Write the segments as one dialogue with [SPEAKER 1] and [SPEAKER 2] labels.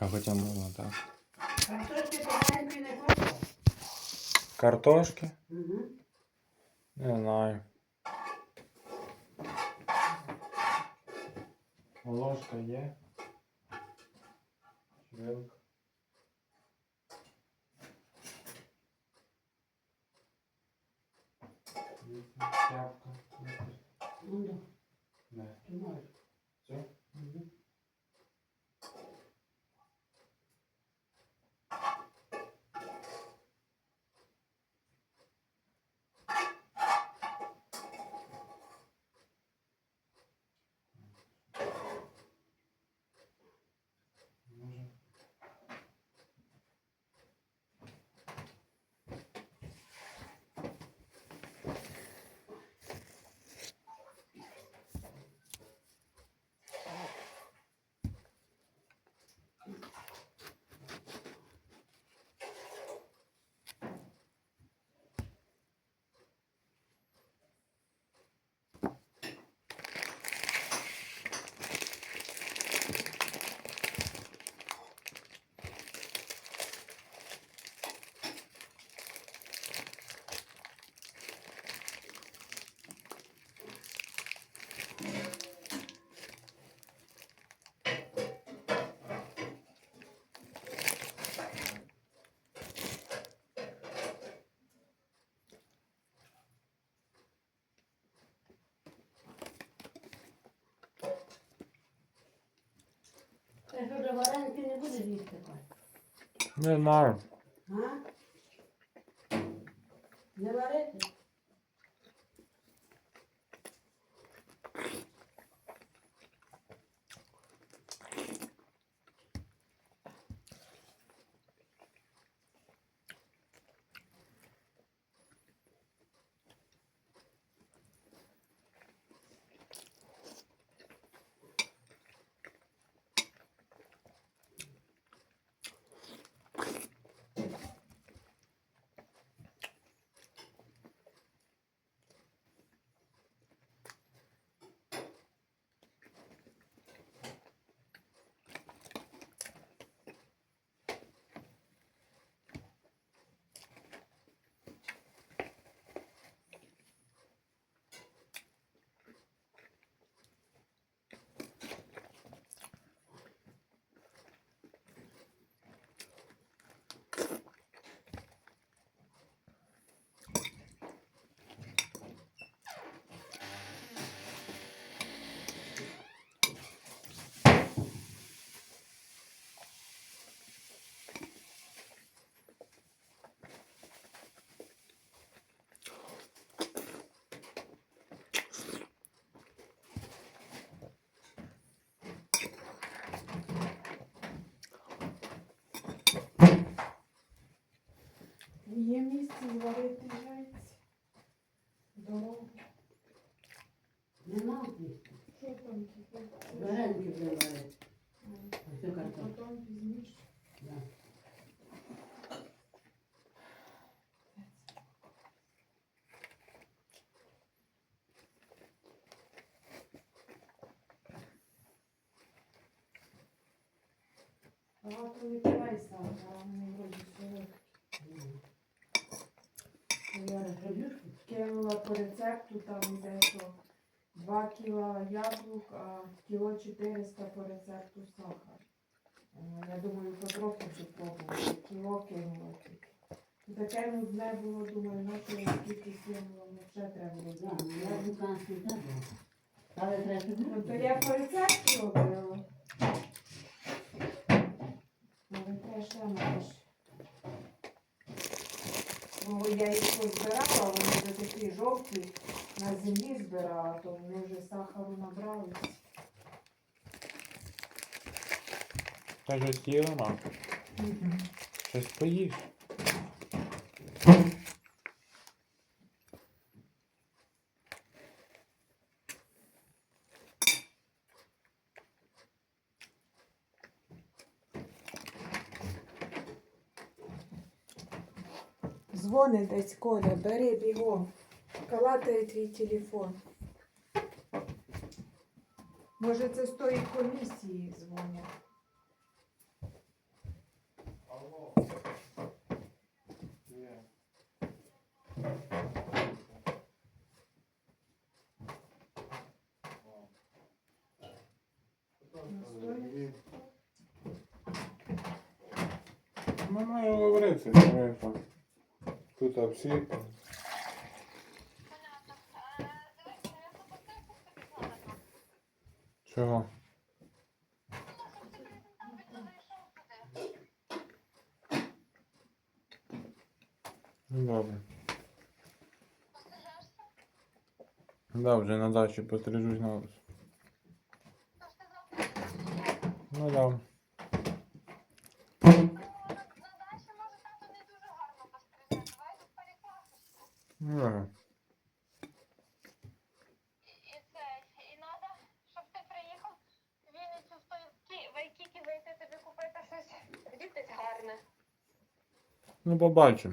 [SPEAKER 1] А хоча можна так.
[SPEAKER 2] Картошки помаленьку не хочеш?
[SPEAKER 1] Картошки?
[SPEAKER 2] Угу.
[SPEAKER 1] Не знаю. Ложка є. Вилка. Тряпка.
[SPEAKER 2] Ну да.
[SPEAKER 1] Не.
[SPEAKER 2] Ти можеш.
[SPEAKER 1] Все?
[SPEAKER 2] Угу.
[SPEAKER 1] Може.
[SPEAKER 2] Ти що, до вареники не будеш їсти, Кать?
[SPEAKER 1] Не знаю.
[SPEAKER 2] А? Не варити?
[SPEAKER 3] Є місце зварити яйця. Дорогу.
[SPEAKER 2] Нема їсти.
[SPEAKER 3] Що там типу?
[SPEAKER 2] Вареники вже варити.
[SPEAKER 3] А
[SPEAKER 2] Ось цю картоплю.
[SPEAKER 3] потім пізніше.
[SPEAKER 2] Да.
[SPEAKER 3] Багато не кидай сахара, а вони вроді солодкі. Я кинула по рецепту, там йде, що 2 кіла яблук, а кіло 400 по рецепту сахар. Я думаю, потроху спробувати. Кіло кинула тільки. Таке нудне було, думаю, на що я скільки кинула, ну ще треба було
[SPEAKER 2] Да,
[SPEAKER 3] знати.
[SPEAKER 2] я буканську так. Але треба
[SPEAKER 3] Ну, то
[SPEAKER 2] зробити.
[SPEAKER 3] я по рецепту робила. Але треба ще маєш. Бо я їх позбирала, вони вже такі жовті, на землі збирала, то вони вже сахару набралися.
[SPEAKER 1] Та щось є, мама. Щось поїш.
[SPEAKER 3] Дзвонить десь Коля, бери бігом. Калатає твій телефон. Може, це з тої комісії дзвонять.
[SPEAKER 1] Ну, маю говорити, що тут обсипано. Чого? Ну, добре. Да, вже на дачі пострижусь на вулицю. Ну да. Ну, да.
[SPEAKER 4] І це, і надо, щоб ти приїхав в Вінницю в той Вайкікі зайти тобі купити щось, вдітись гарне.
[SPEAKER 1] Ну, побачимо.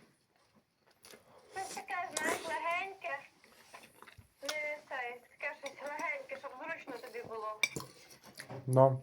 [SPEAKER 4] Щось таке, знаєш, легеньке. Не це, таке щось легеньке, щоб зручно тобі було.
[SPEAKER 1] Да.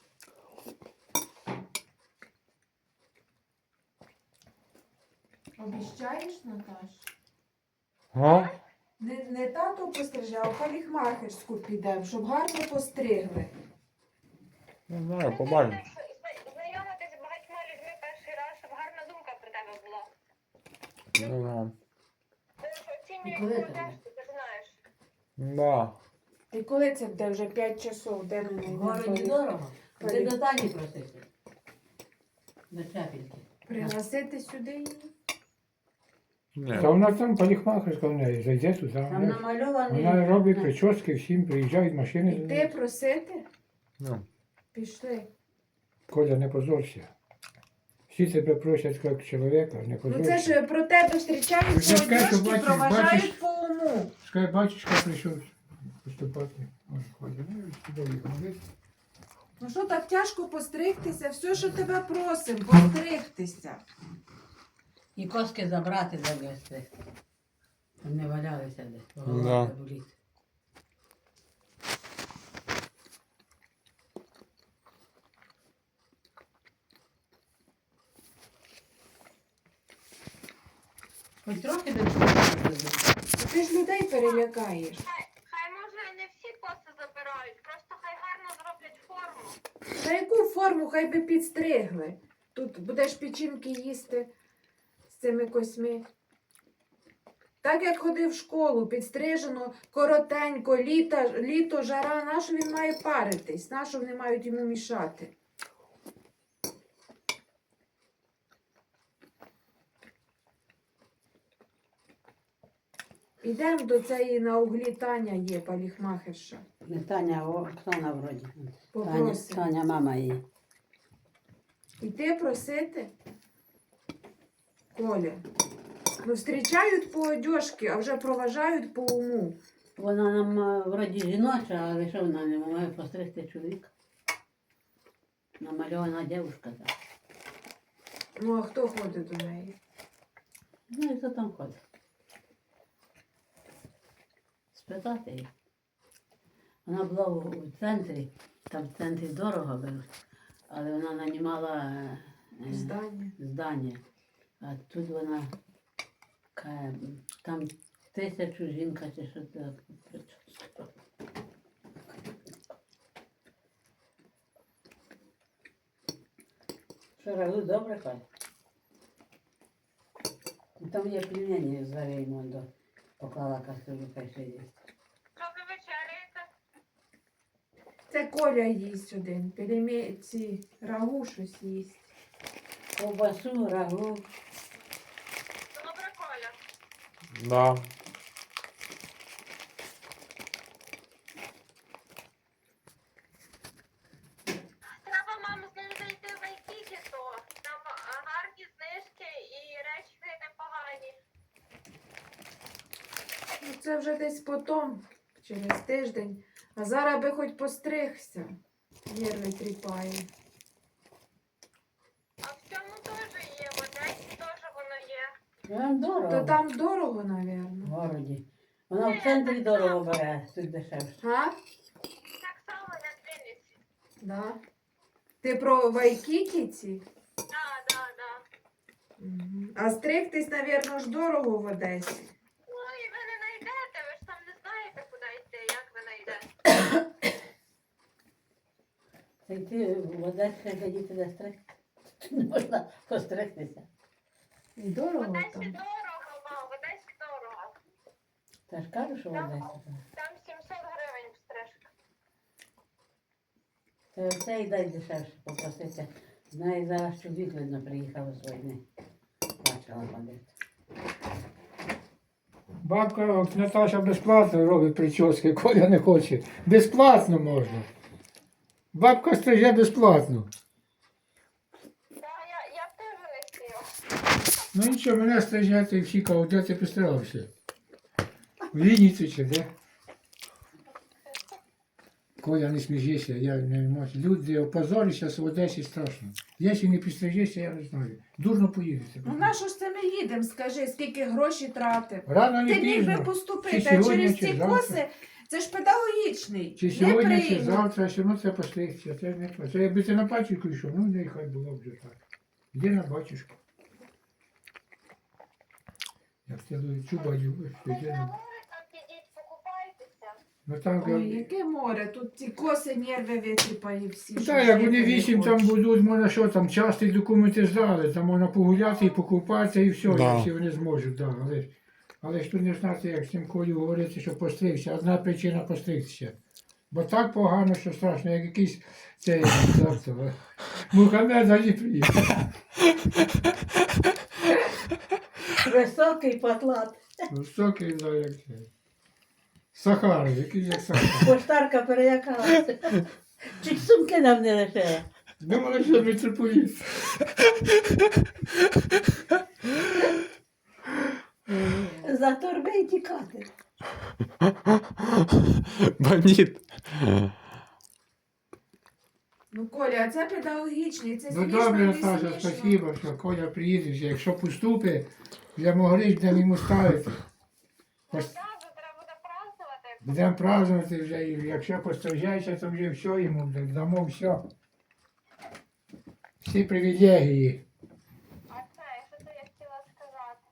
[SPEAKER 3] Обіщаєш, Наташ?
[SPEAKER 1] Га?
[SPEAKER 3] Не тато постриже, а в парикмахерську підемо, щоб гарно постригли.
[SPEAKER 1] Не знаю, побачимо.
[SPEAKER 4] Знайомитись з багатьма людьми перший раз, щоб гарна думка про тебе була.
[SPEAKER 1] Ну, да.
[SPEAKER 4] Тому що оцінюють
[SPEAKER 2] Коли
[SPEAKER 4] твою
[SPEAKER 2] це?
[SPEAKER 4] тесту, ти знаєш.
[SPEAKER 1] Да.
[SPEAKER 3] І коли це буде? Вже 5 часов, де ми
[SPEAKER 2] В городі дорого. Ти до Тані просити. До Чапінки.
[SPEAKER 3] Пригласити сюди її?
[SPEAKER 1] Ні.
[SPEAKER 5] Та у нас там парикмахерська в неї, зайде туди.
[SPEAKER 2] Там намальований.
[SPEAKER 5] Вона робить прически, всім приїжджають машини.
[SPEAKER 3] Іти просити?
[SPEAKER 1] Ну.
[SPEAKER 3] Пішли.
[SPEAKER 5] Коля, не позорся. Всі тебе просять як чоловіка, не
[SPEAKER 3] Ну
[SPEAKER 5] позорся.
[SPEAKER 3] це ж про тебе зустрічають
[SPEAKER 5] Вже скажу,
[SPEAKER 3] молодежки,
[SPEAKER 5] бачиш,
[SPEAKER 3] проважають
[SPEAKER 5] бачиш.
[SPEAKER 3] по уму.
[SPEAKER 5] Скажи, батюшка прийшов поступати. Ой, Коля, ну і сюди їх молись.
[SPEAKER 3] Ну що так тяжко постригтися? Все, що тебе просимо, постригтися.
[SPEAKER 2] І коски забрати завести. Щоб не валялися десь.
[SPEAKER 1] Да.
[SPEAKER 2] Голова не болить. Хоч трохи до
[SPEAKER 3] Ти ж людей перелякаєш.
[SPEAKER 4] Хай може не всі коси забирають, просто хай гарно зроблять форму.
[SPEAKER 3] На яку форму хай би підстригли? Тут будеш печінки їсти з цими косьми. Так як ходив в школу, підстрижено коротенько, літо, жара, нащо він має паритись? Нащо вони мають йому мішати? Ідемо до цієї на углі Таня є, парикмахерша.
[SPEAKER 2] Не Таня, а Оксана вроді. Таня,
[SPEAKER 3] Попросимо.
[SPEAKER 2] Таня мама її.
[SPEAKER 3] Іти просити? Коля. Ну, зустрічають по одежці, а вже проважають по уму.
[SPEAKER 6] Вона нам вроді жіноча, але що вона не має постригти чоловіка? Намальована дівчинка так.
[SPEAKER 3] Ну, а хто ходить до неї?
[SPEAKER 6] Ну і хто там ходить? Спитати її. Вона була у центрі, там в центрі дорого беруть, але вона нанімала здання. А тут вона каже, там 1000 жінка чи що це. Що рагу добре каже? Там є пельмені з вареньем до поклала кастрюлю, хай ще є.
[SPEAKER 4] Що ви вечеряєте?
[SPEAKER 3] Це Коля їсть один. Ці рагу щось їсть.
[SPEAKER 6] Ковбасу, рагу.
[SPEAKER 4] Добре, Коля.
[SPEAKER 1] Да.
[SPEAKER 4] Треба, мам, з ним зайти в Айкікі, то там гарні знижки і речі непогані.
[SPEAKER 3] Ну, це вже десь потом, через тиждень. А зараз би хоч постригся. Нерви тріпає.
[SPEAKER 4] А в цьому теж є, в Одесі теж воно є.
[SPEAKER 6] Дорого.
[SPEAKER 3] То там дорого, мабуть.
[SPEAKER 6] В городі. Вона в центрі дорого бере, тут дешевше.
[SPEAKER 3] А?
[SPEAKER 4] Так само, як в Вінниці.
[SPEAKER 3] Да. Ти про Вайкікіці?
[SPEAKER 4] Да.
[SPEAKER 3] Мгм. А стригтись, мабуть, ж дорого в Одесі.
[SPEAKER 4] Ну і ви не знайдете, ви ж там не знаєте, куди йти, як ви знайдете.
[SPEAKER 6] Та йти в Одесі глядіти де стригти. Не можна постригтися.
[SPEAKER 3] І дорого
[SPEAKER 4] В Одесі
[SPEAKER 3] там.
[SPEAKER 4] дорого, мам, в Одесі дорого.
[SPEAKER 6] Та ж кажу, що в Одесі.
[SPEAKER 4] Там 700 гривень стрижка.
[SPEAKER 6] Та оце і дай дешевше попросити. Знаю, зараз чоловік, видно, приїхав з війни. Бачила ходити.
[SPEAKER 5] Бабка Наташа безплатно робить прически, Коля не хоче. Безплатно можна. Бабка стриже безплатно.
[SPEAKER 4] Так, я б теж не хотіла.
[SPEAKER 5] Ну нічого, мене стриже, і всі кажуть, де ти постарався? В Вінниці чи де? Коля, не сміжися, я не можу. Люди опозорі зараз в Одесі страшно. Якщо не підстрижешся, я не знаю. Дурно поїдете.
[SPEAKER 3] Ну на що ж це ми їдемо? Скажи, скільки грошей тратив?
[SPEAKER 5] Рано не
[SPEAKER 3] Ти міг би
[SPEAKER 5] пізно.
[SPEAKER 3] поступити,
[SPEAKER 5] Чи
[SPEAKER 3] а
[SPEAKER 5] сьогодні,
[SPEAKER 3] через
[SPEAKER 5] чи
[SPEAKER 3] ці
[SPEAKER 5] завтра.
[SPEAKER 3] коси це ж педагогічний.
[SPEAKER 5] Чи
[SPEAKER 3] Не
[SPEAKER 5] сьогодні, чи
[SPEAKER 3] приймуть.
[SPEAKER 5] завтра, все одно це постригся. Це не то. Це якби ти на пачку йшов, ну нехай було б вже так. Йди на батюшку. Як ти чуба любиш,
[SPEAKER 4] Ви
[SPEAKER 5] йди
[SPEAKER 4] на
[SPEAKER 5] на...
[SPEAKER 4] море там підіть, покупайтеся.
[SPEAKER 5] Ну там,
[SPEAKER 3] Ой, яке море, тут ці коси нерви витріпані всі.
[SPEAKER 5] ну,
[SPEAKER 3] що
[SPEAKER 5] так, як
[SPEAKER 3] жити
[SPEAKER 5] вони
[SPEAKER 3] не
[SPEAKER 5] 8 там
[SPEAKER 3] хочуть.
[SPEAKER 5] будуть, можна що там, часті документи здали, там можна погуляти і покупатися і все,
[SPEAKER 1] Да.
[SPEAKER 5] якщо вони зможуть, да. Але ж тут не знати, як з цим Колю говорити, що постригся. Одна причина постригтися. Бо так погано, що страшно, як якийсь цей Мухаммед Алі приїхав.
[SPEAKER 6] Високий потлат.
[SPEAKER 5] Високий, да, як це. Сахара, який як Сахара.
[SPEAKER 6] Поштарка перелякалася. Чуть сумки нам не лишила.
[SPEAKER 5] Думали, що митрополіт.
[SPEAKER 6] За торби й тікати.
[SPEAKER 1] Бандит.
[SPEAKER 3] Ну, Коля, а це педагогічний, це
[SPEAKER 5] Ну
[SPEAKER 3] смішно,
[SPEAKER 5] добре,
[SPEAKER 3] не
[SPEAKER 5] Саша,
[SPEAKER 3] смішно.
[SPEAKER 5] спасибо, що Коля приїде. Якщо поступить, я могли будемо йому ставити.
[SPEAKER 4] Ну так, треба буде празднувати.
[SPEAKER 5] Будемо празднувати вже, і якщо пострижається, то вже все йому дамо все. Всі привілегії.
[SPEAKER 4] А це, що то я хотіла сказати?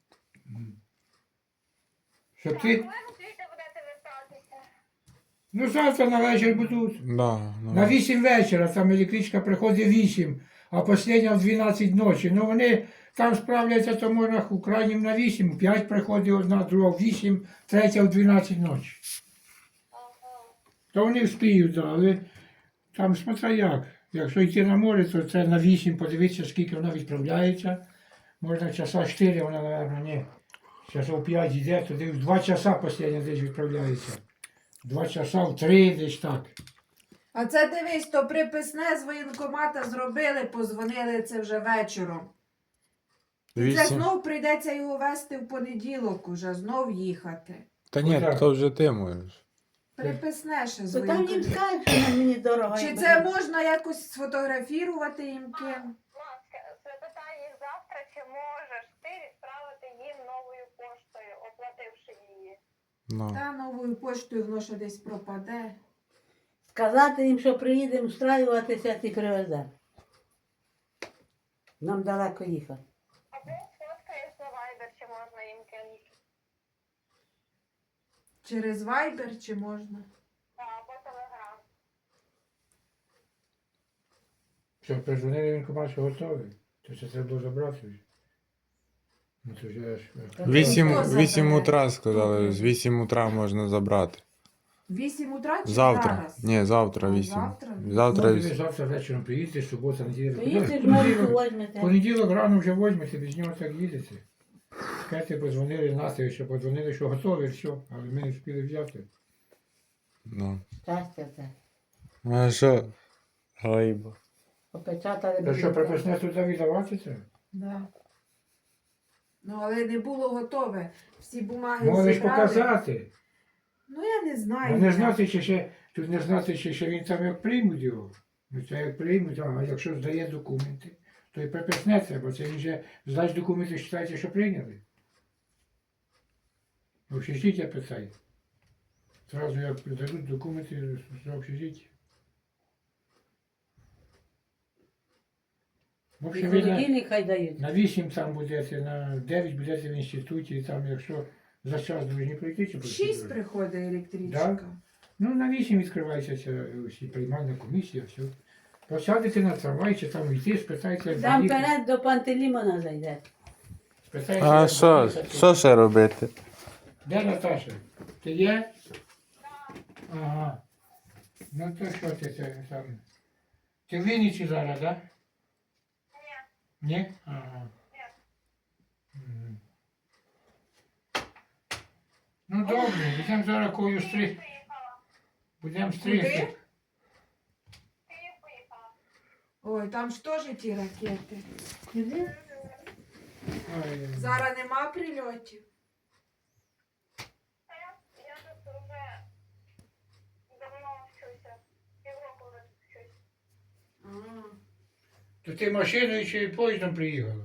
[SPEAKER 5] Щоб
[SPEAKER 4] Так,
[SPEAKER 5] ти.
[SPEAKER 4] коли ви звідти будете вертатися?
[SPEAKER 5] Ну завтра на вечір будуть.
[SPEAKER 1] Да,
[SPEAKER 5] На 8 вечора, там електричка приходить 8, а остання в 12 ночі. Ну вони там справляться, то можна у крайнім на 8, 5 приходить одна, друга в 8, третя в 12 ночі.
[SPEAKER 4] Ага.
[SPEAKER 5] То вони вспіють, да, але там смотря як. Якщо йти на море, то це на 8, подивитися, скільки вона відправляється. Можна часа 4, вона, мабуть, ні. Часов 5 йде, то десь 2 часа остання десь відправляється. 2 часа в 3 десь так.
[SPEAKER 3] А це дивись, то приписне з воєнкомата зробили, позвонили це вже вечором. Це
[SPEAKER 1] 8.
[SPEAKER 3] знов прийдеться його вести в понеділок уже, знов їхати.
[SPEAKER 1] Та ні,
[SPEAKER 5] Отак.
[SPEAKER 1] то вже ти можеш.
[SPEAKER 3] Приписне ще з
[SPEAKER 6] То там їм
[SPEAKER 3] воєнкомата.
[SPEAKER 6] скажуть, що на мені дорого.
[SPEAKER 3] Чи
[SPEAKER 6] якби
[SPEAKER 3] це
[SPEAKER 6] не-
[SPEAKER 3] можна якось сфотографувати їм ким?
[SPEAKER 4] Маска, запитай їх завтра, чи можеш ти відправити їм новою поштою, оплативши її.
[SPEAKER 1] Ну.
[SPEAKER 3] Та новою поштою воно ще десь пропаде.
[SPEAKER 6] Сказати їм, що приїдемо встраюватися, ти привезе. Нам далеко їхати.
[SPEAKER 4] Або сфоткаєш на Viber, чи можна їм кинути.
[SPEAKER 3] Через Viber чи можна?
[SPEAKER 4] Або Telegram.
[SPEAKER 5] Що, перезвонили воєнкомат, що готовий? То це треба було забрати вже. Ну то вже ж.
[SPEAKER 1] 8,
[SPEAKER 3] Хто
[SPEAKER 1] 8
[SPEAKER 3] забере?
[SPEAKER 1] утра сказали, з 8 утра можна забрати.
[SPEAKER 3] 8 утра чи
[SPEAKER 1] Завтра.
[SPEAKER 3] зараз?
[SPEAKER 1] Ні, завтра
[SPEAKER 3] А,
[SPEAKER 1] 8.
[SPEAKER 3] завтра?
[SPEAKER 1] Завтра
[SPEAKER 5] Ну, ви
[SPEAKER 1] 8.
[SPEAKER 5] завтра вечором приїдете, субота, неділя.
[SPEAKER 6] Приїдеш,
[SPEAKER 5] Понеділок-
[SPEAKER 6] Марку возьмете.
[SPEAKER 5] Понеділок рано вже возьмете, без нього так їдете. Скажете, подзвонили Насті, що подзвонили, що готові, все, але ми не встигли взяти.
[SPEAKER 1] Ну.
[SPEAKER 6] Щастя це.
[SPEAKER 1] А що? Гайба.
[SPEAKER 6] Попечатали
[SPEAKER 5] Та що, приписне туди віддавати це?
[SPEAKER 3] Да. Ну, але не було готове. Всі бумаги
[SPEAKER 5] Можеш
[SPEAKER 3] зібрали.
[SPEAKER 5] показати.
[SPEAKER 3] Ну, я не знаю.
[SPEAKER 5] А не
[SPEAKER 3] як.
[SPEAKER 5] знати, чи ще, тут не знати, чи ще він там як приймуть його. Ну це як приймуть, а якщо здає документи, то і приписне це, бо це він вже здасть документи, вважається, що прийняли. В общежиття питає. Зразу як дадуть документи з общежиття. В
[SPEAKER 6] І
[SPEAKER 5] общем, ви
[SPEAKER 6] холодильник хай дають.
[SPEAKER 5] на 8 там будете, на 9 будете в інституті, і там якщо за час повинні пройти, чи
[SPEAKER 3] В
[SPEAKER 5] пройти?
[SPEAKER 3] 6 приходить електричка.
[SPEAKER 5] Ну, на 8 відкривається ця всі приймальна комісія, все. Посадите на трамвай, чи там йти, спитайте, як
[SPEAKER 6] Там
[SPEAKER 5] доїхати.
[SPEAKER 6] вперед до Пантелімона зайде.
[SPEAKER 5] Спитайте,
[SPEAKER 1] А
[SPEAKER 5] як
[SPEAKER 1] що?
[SPEAKER 5] доїхати.
[SPEAKER 1] Що ще робити?
[SPEAKER 5] Де Наташа? Ти є? Ага. Ну то що ти це там? Ти в Вінниці зараз, так?
[SPEAKER 4] Ні.
[SPEAKER 5] Ні? Ага. Мгм. Ну добре, будемо зараз кою стриг.
[SPEAKER 4] Поїхала.
[SPEAKER 5] Будемо стригти.
[SPEAKER 3] Куди?
[SPEAKER 4] Київ поїхала.
[SPEAKER 3] Ой, там ж теж ті ракети.
[SPEAKER 6] Куди?
[SPEAKER 5] Ой,
[SPEAKER 3] Зараз нема прильотів.
[SPEAKER 4] Та я тут вже давно вчуся. Півроку вже тут вчусь.
[SPEAKER 3] А,
[SPEAKER 5] То ти машиною чи поїздом приїхала?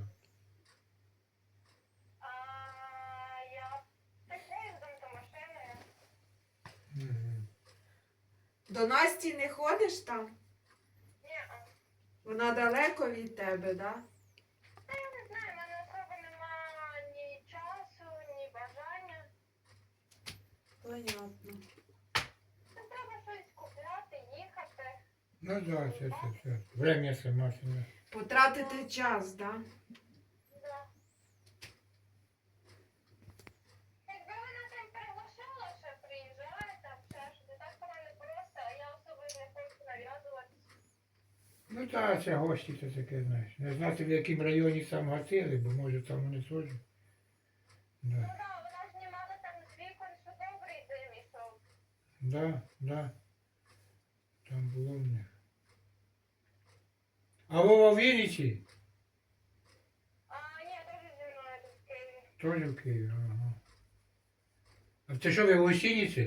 [SPEAKER 4] Я так поїздом та машиною.
[SPEAKER 5] Мгм.
[SPEAKER 3] До Насті не ходиш там?
[SPEAKER 4] Ні,
[SPEAKER 3] Вона далеко від тебе, да?
[SPEAKER 4] та я не знаю, в мене особо нема ні часу, ні бажання.
[SPEAKER 3] Понятно.
[SPEAKER 4] Та треба щось купляти, їхати.
[SPEAKER 5] Ну да, це. Время це машина.
[SPEAKER 3] Потратити час, да?
[SPEAKER 4] Да. Якби вона там приглашала, що приїжджає, там ще щось, так вона не просто, а я особо не хочу нав'язуватися.
[SPEAKER 5] Ну так, це гості це таке, знаєш. Не знати, в якому районі там гатили, бо може там вони теж.
[SPEAKER 4] Ну
[SPEAKER 5] Да.
[SPEAKER 4] так, вона знімала там з вікон, що добрий дим ішов.
[SPEAKER 5] Да. Там було в них. А Вова в Вінниці?
[SPEAKER 4] Ні, теж зі мною тут в Києві.
[SPEAKER 5] Теж в Києві, ага. А це що, ви в гостиниці?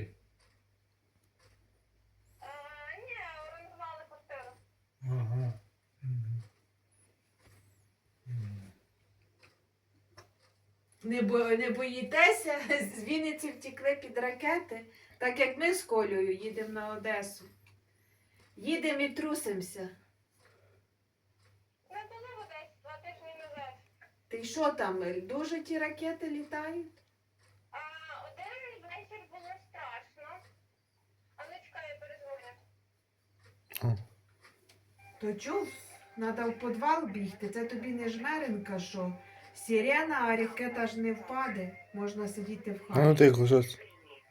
[SPEAKER 4] Ні, орендували квартиру.
[SPEAKER 5] Ага. Мгм.
[SPEAKER 3] Не боїтеся, з Вінниці втекли під ракети, так як ми з Колею їдемо на Одесу. Їдемо і трусимося.
[SPEAKER 4] Ми були десь 2 тижні назад.
[SPEAKER 3] Ти що там, дуже ті ракети літають?
[SPEAKER 4] Один вечір було страшно. А ну чекай, я перезвоню.
[SPEAKER 3] То чув, треба в підвал бігти, це тобі не жмеренка, що сирена, а ракета ж не впаде, можна сидіти в
[SPEAKER 1] А ну
[SPEAKER 3] хаті.
[SPEAKER 1] тихо, що це?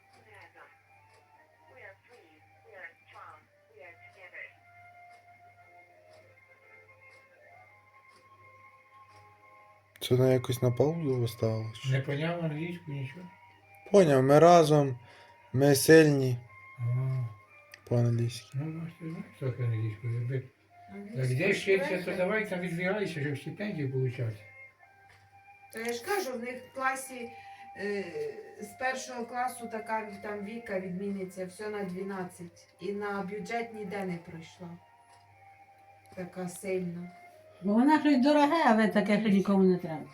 [SPEAKER 1] Це вона якось на паузу поставила?
[SPEAKER 5] Не поняв англійську, нічого?
[SPEAKER 1] Поняв, ми разом, ми сильні
[SPEAKER 5] Ага.
[SPEAKER 1] по-англійськи.
[SPEAKER 5] Ну, може, ти знаєш трохи англійську. Якби як де вчиться, то давай там відбігайся, щоб стипендію получати.
[SPEAKER 3] То я ж кажу, в них в класі з першого класу така там Віка відміниться, все на 12. І на бюджет ніде не пройшла. Така сильна.
[SPEAKER 6] Бо вона щось дороге, але таке, що нікому не треба.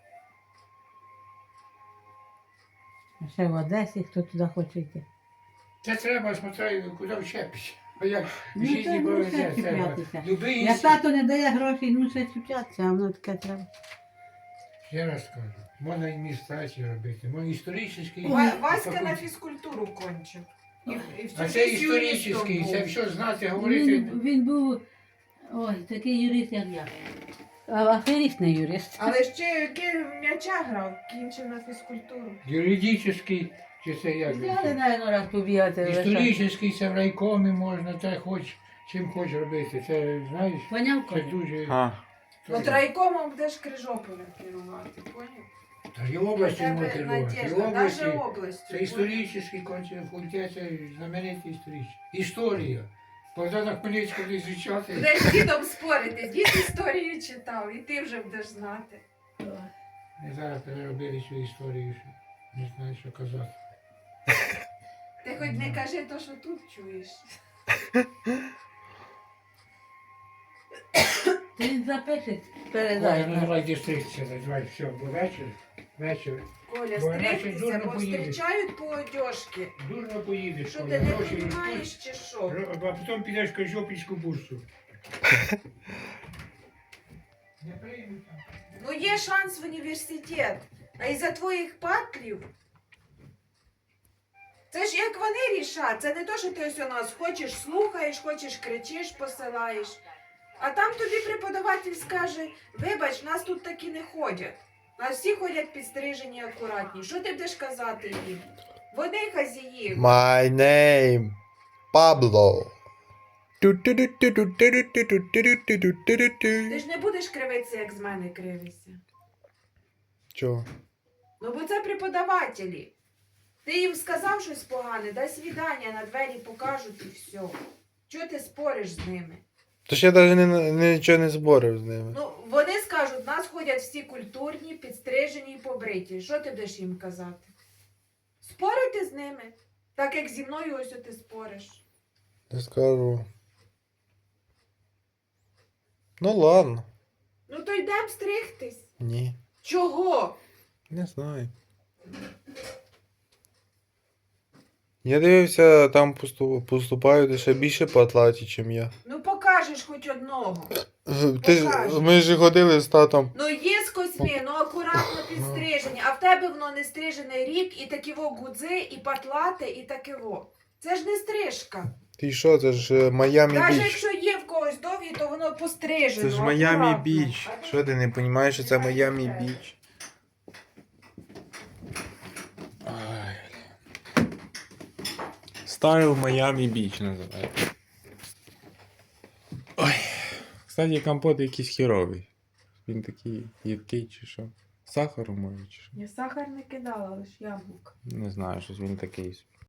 [SPEAKER 6] А ще в Одесі, хто туди хоче йти.
[SPEAKER 5] Це треба, смотри, куди вчепиш. А як в
[SPEAKER 6] Ну,
[SPEAKER 5] житті
[SPEAKER 6] це
[SPEAKER 5] повезе,
[SPEAKER 6] мусить
[SPEAKER 5] треба.
[SPEAKER 6] чіплятися.
[SPEAKER 5] Любий
[SPEAKER 6] Як тато не дає грошей, мусить чіплятися, а воно таке треба.
[SPEAKER 5] Ще раз скажу, можна імітацію робити, можна історичний.
[SPEAKER 3] Васька на фізкультуру кончив. І всю
[SPEAKER 5] А це
[SPEAKER 3] життя юристом
[SPEAKER 5] історичний,
[SPEAKER 3] був.
[SPEAKER 5] це все знати, говорити.
[SPEAKER 6] Він був, ой, такий юрист, як я. А аферіст не юрист.
[SPEAKER 3] Але ще який в м'яча грав, кінчив на фізкультуру.
[SPEAKER 5] Юридичний, чи це як?
[SPEAKER 6] Взяли, навіть, раз побігати.
[SPEAKER 5] Історичний, це в райкомі можна, те хоч, чим хоч робити. Це, знаєш,
[SPEAKER 6] Поняв,
[SPEAKER 5] це
[SPEAKER 6] Коля?
[SPEAKER 5] дуже...
[SPEAKER 1] А,
[SPEAKER 3] От райкомом будеш Крижополя керувати, поняв?
[SPEAKER 5] Та і області
[SPEAKER 3] Тебе
[SPEAKER 5] можна керувати. І
[SPEAKER 3] надіжда,
[SPEAKER 5] області,
[SPEAKER 3] навіть областю.
[SPEAKER 5] це історичний факультет, це знаменитий історичний. Історія. Богдана Хмельницького не звучати.
[SPEAKER 3] Будеш з дідом спорити, дід історію читав, і ти вже будеш знати.
[SPEAKER 5] Ми зараз переробили цю історію, що не знаю, що казати.
[SPEAKER 3] Ти хоч не кажи то, що тут чуєш.
[SPEAKER 6] Він запише,
[SPEAKER 5] Коля, ну
[SPEAKER 6] передай.
[SPEAKER 5] давай дистрикція, давай, все, бо вечір.
[SPEAKER 3] Коля,
[SPEAKER 5] Бо іначе
[SPEAKER 3] стригтися,
[SPEAKER 5] дурно
[SPEAKER 3] бо
[SPEAKER 5] поїдеш.
[SPEAKER 3] зустрічають по одежки.
[SPEAKER 5] Дурно поїдеш,
[SPEAKER 3] Що
[SPEAKER 5] Коля,
[SPEAKER 3] ти не
[SPEAKER 5] гроші
[SPEAKER 3] розумієш чи що?
[SPEAKER 5] а потім підеш в Кожопільську бурсу. Не приймуть там.
[SPEAKER 3] Ну є шанс в університет, а із-за твоїх патлів. Це ж як вони рішать, це не то, що ти ось у нас хочеш, слухаєш, хочеш, кричиш, посилаєш. А там тобі преподаватель скаже, вибач, нас тут такі не ходять. Нас всі ходять підстрижені акуратні. Що ти будеш казати їм? Вони хазії.
[SPEAKER 1] My name Pablo.
[SPEAKER 3] Ти ж не будеш кривитися, як з мене кривишся.
[SPEAKER 1] Чого?
[SPEAKER 3] Ну, бо це преподавателі. Ти їм сказав щось погане, дай свідання, на двері покажуть і все. Чого ти спориш з ними?
[SPEAKER 1] Тож я навіть нічого не зборив з ними.
[SPEAKER 3] Ну, вони скажуть, нас ходять всі культурні, підстрижені і побриті. Що ти будеш їм казати? Спорити з ними, так як зі мною ось ти спориш.
[SPEAKER 1] Не скажу. Ну ладно.
[SPEAKER 3] Ну то йдемо стригтись.
[SPEAKER 1] Ні.
[SPEAKER 3] Чого?
[SPEAKER 1] Не знаю. Я дивився, там поступають ще більше патлаті, ніж я.
[SPEAKER 3] Ну покажеш хоч одного. Покажу.
[SPEAKER 1] Ми ж ходили з татом.
[SPEAKER 3] Ну є з косьми, ну акуратно підстрижені, а в тебе воно не стрижений рік, і таківо гудзи, і патлате, і такиво. Це ж не стрижка.
[SPEAKER 1] Ти що, це ж Майамі
[SPEAKER 3] Навіть
[SPEAKER 1] Біч.
[SPEAKER 3] якщо є в когось довгі, то воно пострижено.
[SPEAKER 1] Це ж Майамі
[SPEAKER 3] акуратно.
[SPEAKER 1] Біч.
[SPEAKER 3] А
[SPEAKER 1] Що ти не розумієш, що це Майамі Біч? Стайл Майамі Біч називається. Ой. Кстати, компот якийсь херовий. Він такий їдкий чи що? З сахаром може чи що?
[SPEAKER 3] Я сахар не кидала, лише яблук.
[SPEAKER 1] Не знаю, щось він такий.